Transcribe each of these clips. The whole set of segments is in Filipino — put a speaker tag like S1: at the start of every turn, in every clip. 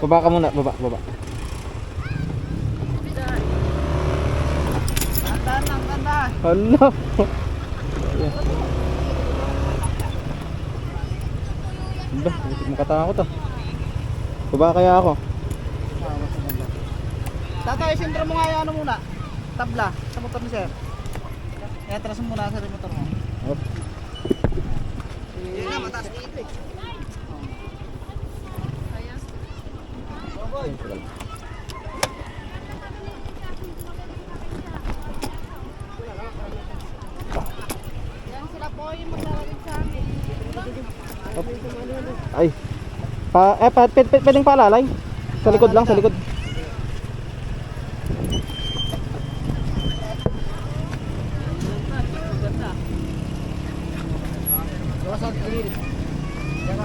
S1: Baba ka muna, baba, baba.
S2: Tandaan lang, tandaan.
S1: Hala. Ba, makatakot ah. Baba kaya ako.
S2: Tatay, sentro mo nga yung ano muna. Tabla sa motor ni sir. Kaya atras mo muna sa motor mo.
S1: Op.
S2: Hindi na, mataas dito eh.
S3: Yan sila po yung maglalagay sa amin.
S1: Ay. Pwedeng paalalay. Sa likod lang, sa likod.
S2: Gawasan sa gilid. Diyan ka.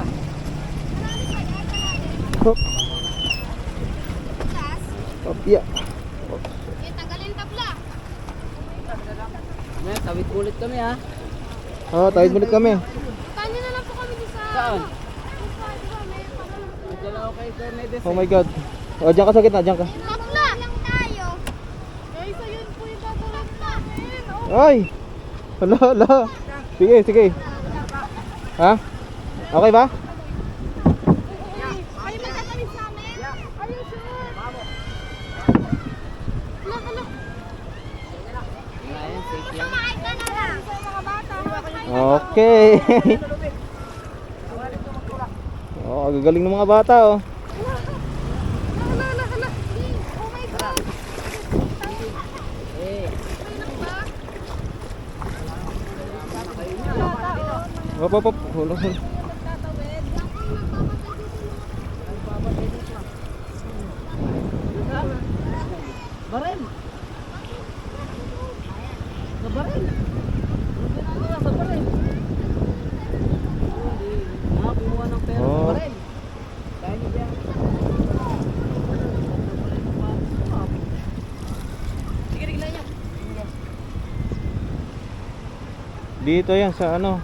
S1: Hop. Hop, yeah.
S3: Eh, tanggalin tabla.
S2: May tawid ulit kami ha.
S1: Oh, tawid ulit kami.
S3: Tanya na lang po kami dito sa...
S2: Saan?
S3: May
S2: Dalaw kay Cornedes.
S1: Oh my god. Oh, diyan ka sa gitna, diyan ka.
S3: tabla! lang tayo. Guys, ayun po yung gagawin namin. Oh.
S1: Ay! Hala, hala. Sige, sige. Ha? Okay ba?
S3: Ay, magtatawid sa amin? Are you sure? Hala, hala.
S2: Ayan, safe yan.
S3: Sumakay ka na lang. Sa mga bata.
S1: Okay. Oh, gagaling ng mga bata oh.
S3: Hala, hala, hala. Oh my God.
S2: Eh,
S1: Hop, hop, hop. Hula, hula.
S2: barel. Sa barel. Sa barel. Kumuha ng pera sa
S1: Oh.
S2: barel. Kaya niyo yan. Sige, tignan niya.
S1: Dito yan sa ano.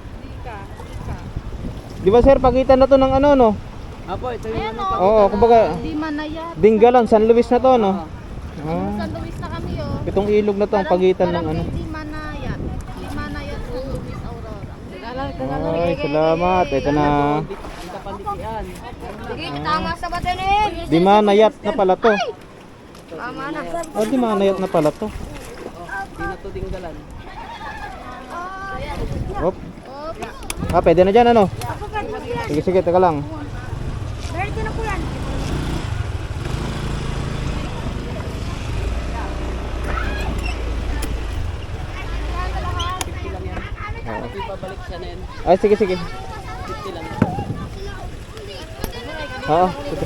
S1: Di ba sir, pagitan na to ng ano no?
S2: Apo, ito yung
S3: Ayan,
S2: ano.
S3: oh.
S1: Oo, kumbaga
S3: Di manayat.
S1: Dinggalan, San Luis na to no.
S3: San Luis na kami, oh.
S1: Itong ilog na to ang pagitan ng ano.
S3: Di manayat. Di manayat, San Luis, Aurora.
S1: Ay, salamat. Ito na.
S2: Ang kapanditian.
S3: Sige, tama sa batenin.
S1: Di manayat na pala to.
S3: Tama na.
S1: Oh, di manayat na pala to.
S2: Di na to dinggalan.
S1: Hop. Ah, pwede na dyan ano? Sige, sige, teka lang.
S3: Meron ko na po yan.
S2: Ito yung pabalik siya na yan.
S1: Ay, sige, sige.
S2: 50 lang.
S1: Oo, sige.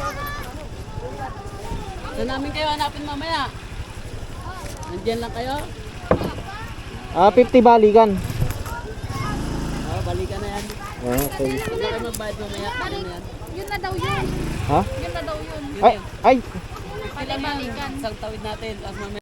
S2: Saan namin kayo hanapin mamaya? Nandiyan lang kayo?
S1: Ah, 50 balikan.
S2: Oo, balikan na yan.
S1: Okay.
S2: Huwag na kayo magbayad mamaya. Ano na yan?
S3: Yun na daw yun.
S1: Ha?
S3: Yun na daw yun.
S1: Ay, ay.
S2: 50 lang yan. Isang tawid natin. Tapos mamaya.